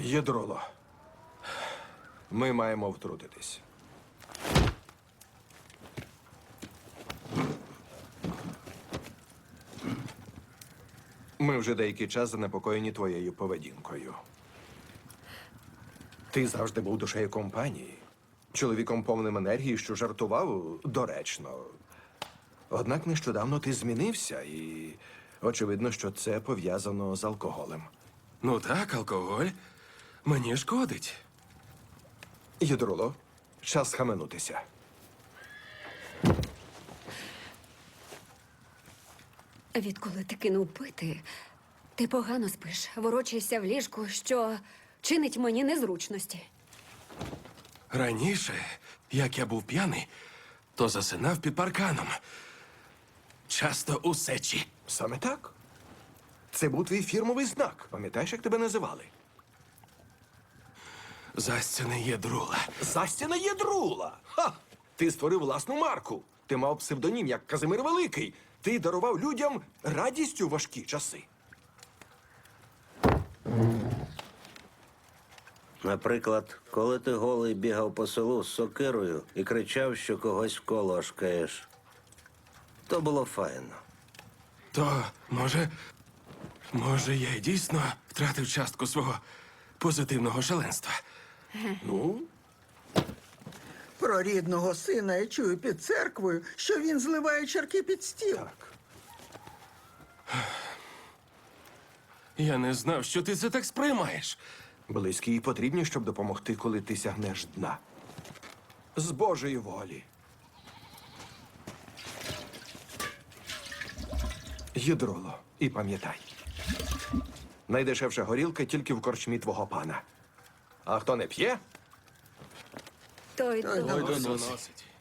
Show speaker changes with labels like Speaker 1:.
Speaker 1: Єдроло, ми маємо втрутитись. Ми вже деякий час занепокоєні твоєю поведінкою. Ти завжди був душею компанії, чоловіком повним енергії, що жартував доречно. Однак нещодавно ти змінився і очевидно, що це пов'язано з алкоголем.
Speaker 2: Ну так, алкоголь мені шкодить.
Speaker 1: Єдроло, час схаменутися.
Speaker 3: Відколи ти кинув пити, ти погано спиш, ворочаєшся в ліжку, що чинить мені незручності.
Speaker 2: Раніше, як я був п'яний, то засинав під парканом. Часто у сечі.
Speaker 1: Саме так. Це був твій фірмовий знак. Пам'ятаєш, як тебе називали?
Speaker 2: Застяне Єдрула.
Speaker 1: Застяна Єдрула! Ха! Ти створив власну марку. Ти мав псевдонім, як Казимир Великий. Ти дарував людям радість у важкі часи.
Speaker 4: Наприклад, коли ти голий бігав по селу з сокирою і кричав, що когось вколошкаєш. То було файно.
Speaker 2: То, може, я й дійсно втратив частку свого позитивного шаленства.
Speaker 1: Ну,
Speaker 5: Про рідного сина я чую під церквою, що він зливає чарки під стіл.
Speaker 1: так.
Speaker 2: Я не знав, що ти це так сприймаєш.
Speaker 1: Близькі й потрібні, щоб допомогти, коли ти сягнеш дна. З Божої волі. Єдроло, і пам'ятай. Найдешевша горілка тільки в корчмі твого пана. А хто не п'є,
Speaker 3: Той
Speaker 5: Ой,
Speaker 3: доносить.
Speaker 5: доносить.
Speaker 2: Доносить.